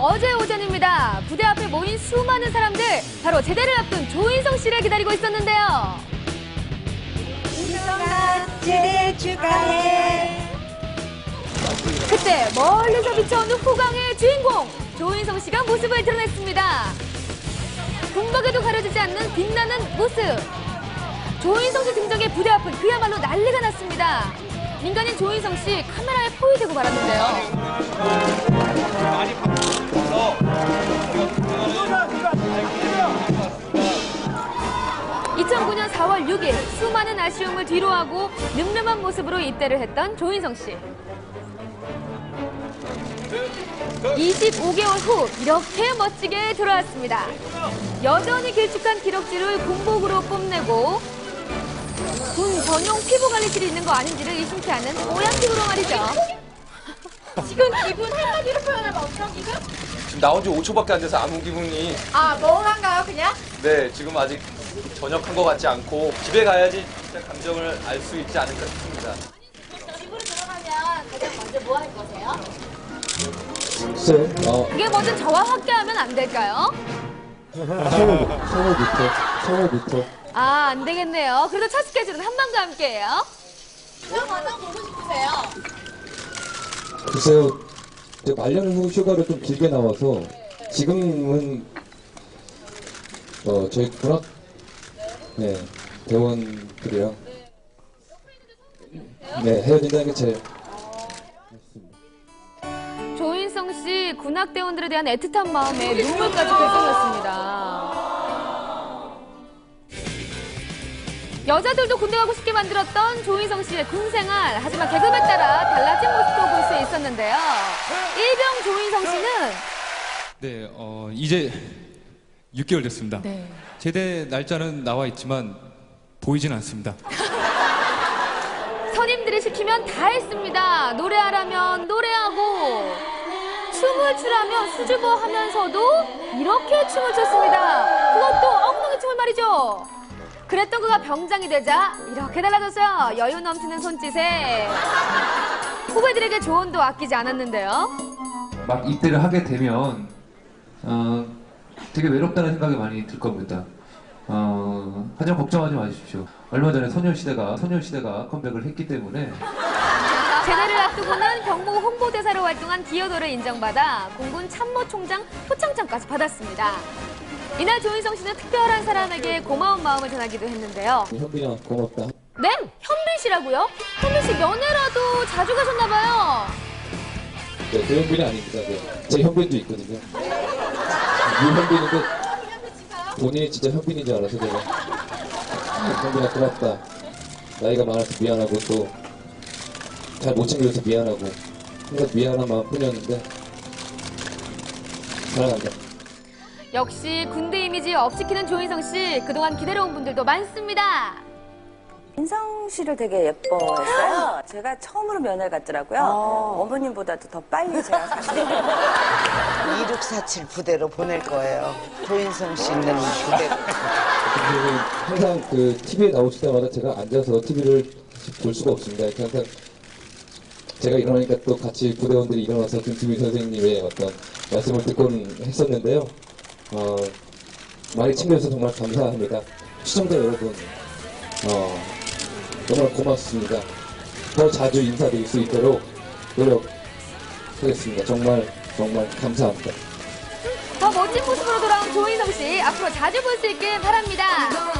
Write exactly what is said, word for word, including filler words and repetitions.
어제 오전입니다. 부대 앞에 모인 수많은 사람들, 바로 제대를 앞둔 조인성 씨를 기다리고 있었는데요. 인성아, 제대 축하해. 그때 멀리서 비춰오는 후광의 주인공, 조인성 씨가 모습을 드러냈습니다. 군복에도 가려지지 않는 빛나는 모습. 조인성 씨 등장에 부대 앞은 그야말로 난리가 났습니다. 민간인 조인성 씨 카메라에 포위되고 말았는데요. 많이 바뀌어서 이천구 년 사월 육일 수많은 아쉬움을 뒤로하고 늠름한 모습으로 입대를 했던 조인성 씨. 이십오 개월 후 이렇게 멋지게 돌아왔습니다. 여전히 길쭉한 기럭지를 군복으로 뽐내고 군 전용 피부관리실이 있는 거 아닌지를 의심케 하는 뽀얀 피부로 말이죠. 지금 기분 한마디로 표현하면 어떤 기분? 지금 나온 지 오 초밖에 안 돼서 아무 기분이. 아, 멍한가요, 그냥? 네, 지금 아직 전역한 것 같지 않고 집에 가야지 진짜 감정을 알 수 있지 않을까 싶습니다. 집으로 들어가면 가장 먼저 뭐 할 거세요? 글쎄, 어, 그게 뭐든 저와 함께하면 안 될까요? 샤워부터, 샤워부터, 샤워부터. 아, 안 되겠네요. 그래도 첫 스케줄은 한방과 함께해요. 그럼 가장 보고 싶으세요? 글쎄요, 이제 말년 후 휴가를 좀 길게 나와서 지금은 어, 저희 군악 네, 대원들이랑 네, 헤어진다는 게 제일 조인성 씨 군악대원들에 대한 애틋한 마음에 눈물까지 글썽였습니다. 여자들도 군대 가고 싶게 만들었던 조인성 씨의 군생활. 하지만 계급에 따라 달라진 모습도 볼 수 있었는데요. 일병 조인성 씨는 네, 어, 이제 육 개월 됐습니다. 네. 제대 날짜는 나와 있지만 보이진 않습니다. 선임들이 시키면 다 했습니다. 노래하라면 노래하고 춤을 추라면 수줍어 하면서도 이렇게 춤을 췄습니다. 그것도 엉덩이 춤을 말이죠. 그랬던 그가 병장이 되자 이렇게 달라졌어요. 여유 넘치는 손짓에 후배들에게 조언도 아끼지 않았는데요. 막 입대를 하게 되면 어, 되게 외롭다는 생각이 많이 들 겁니다. 어, 하지만 걱정하지 마십시오. 얼마 전에 소녀시대가 소녀시대가 컴백을 했기 때문에 제대를 앞두고는 병무 홍보대사로 활동한 기여도를 인정받아 공군 참모총장 표창장까지 받았습니다. 이날 조인성 씨는 특별한 사람에게 고마운 마음을 전하기도 했는데요. 현빈아 고맙다. 네? 현빈 씨라고요? 현빈 씨 면회라도 자주 가셨나 봐요. 네, 그 현빈이 아닙니다. 네. 제 현빈도 있거든요. 이 현빈인데 본인이 진짜 현빈인 줄 알아서 제가 현빈아 고맙다. 나이가 많아서 미안하고 또 잘 못 챙겨줘서 미안하고 항상 미안한 마음뿐이었는데 사랑한다. 역시 군대 이미지 업시키는 조인성 씨, 그동안 기다려온 분들도 많습니다. 인성 씨를 되게 예뻐했어요. 제가 처음으로 면회 갔더라고요. 어머님보다도 더 빨리 제가 사실 이육사칠 부대로 보낼 거예요. 조인성 씨 있는 부대로. 그리고 항상 그 티비에 나오실 때마다 제가 앉아서 티비를 볼 수가 없습니다. 이렇게 항상 제가 일어나니까 또 같이 부대원들이 일어나서 김수미 선생님의 어떤 말씀을 듣곤 했었는데요. 어, 많이 챙겨주셔서 정말 감사합니다. 시청자 여러분, 어, 정말 고맙습니다. 더 자주 인사드릴 수 있도록 노력하겠습니다. 정말 정말 감사합니다. 더 멋진 모습으로 돌아온 조인성 씨, 앞으로 자주 볼 수 있길 바랍니다.